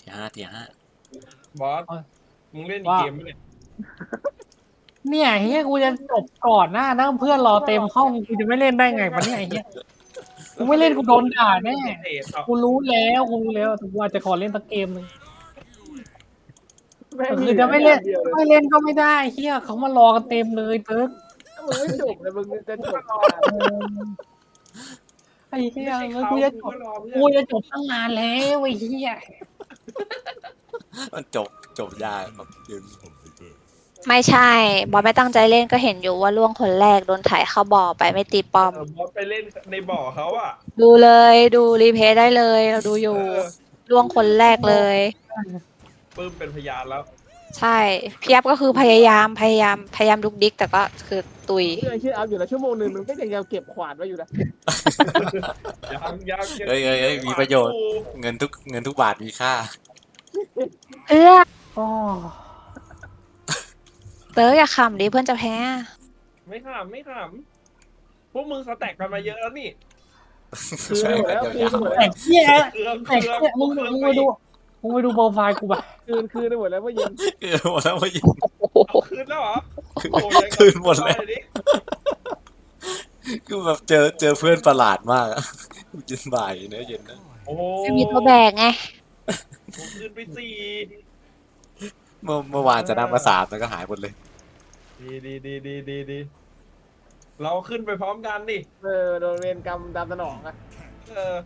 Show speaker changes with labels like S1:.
S1: ทีห้า
S2: บอสมึงเล่นอีกเกมไหมเนี่ย
S3: เนี่ยเฮียกูจะจบก่อนหน้านะเพื่อนรอเต็มห้องกูจะไม่เล่นได้ไงวะเนี่ยไอ้เฮียกูไม่เล่นกูโดนด่าแน่กูรู้แล้วแต่กูอาจจะขอเล่นสักเกมนึงคือจะไม่เล่นก็ไม่ได้เฮียเขามารอกันเต็มเลยเติร์ก
S4: มึงไม่จบเลยมึงจะจบ
S3: ไอ้เฮีย
S2: ไม่ใช่เขา
S3: กูจะจ
S2: ก็
S3: บ
S2: รอเพื่
S3: กู
S2: อน
S3: จะจบตั้งนานแล้วไอ้เฮีย
S1: มันจบยากแบบยืน
S5: ไม่ใช่ บอสไม่ตั้งใจเล่นก็เห็นอยู่ว่าล่วงคนแรกโดนถ่ายเข้าบ่อไปไม่ตีป้อม
S2: บอสไปเล่นในบ่อเขาอ่ะ
S5: ดูเลยดูรีเพลย์ได้เลยเราดูอยู่
S2: เออ
S5: ล่วงคนแรกเลย
S2: ปื้มเป็นพยานแล้ว
S5: ใช่พี่ยับก็คือพยายามดุกดิกแต่ก็คือตุย
S4: เชื่ออัพอยู่แล้วชั่วโมงนึงมึงก็ยังเก็บขวานไว้อยู่นะ
S2: ยัง
S1: เฮ้ยมีประโยชน์เงินทุกบาทมีค่า
S5: เอื้อ
S3: อ๋อ
S5: เต๋ออย่าขำดิเพื่อนจะแพ้
S2: ไม่ขำพวกมึงสแต็กกันมาเยอะแล้วนี่
S4: คือหมดแล้วคืนหมด
S3: แต่
S4: แล้ว
S3: เฮีย
S2: เครื่อง
S3: แต่เฮียมึงไปดูโปรไฟล์กูแบบ
S4: คืนหมดแล้วว่าเย็น
S1: หมดแล้วไม่ยิง
S2: เอาคืนแล้วเหรอโอ้ยยัง
S1: คืนหมดแล้ว
S2: เอาเยดิ
S1: คือแบบเจอเพื่อนประหลาดมากอะเย็นบ่ายเนอะเย็นนะ
S2: โอ้โห
S5: ไม่มีตัวแบกไง
S2: ผมคืนไป4
S1: เมื่อวานจะนั่งมา3แล้วก็หายหมดเลย
S2: ดีเราขึ้นไปพร้อมกันดิ
S4: โดนเวรกรรมตามสนองอะ
S2: เออ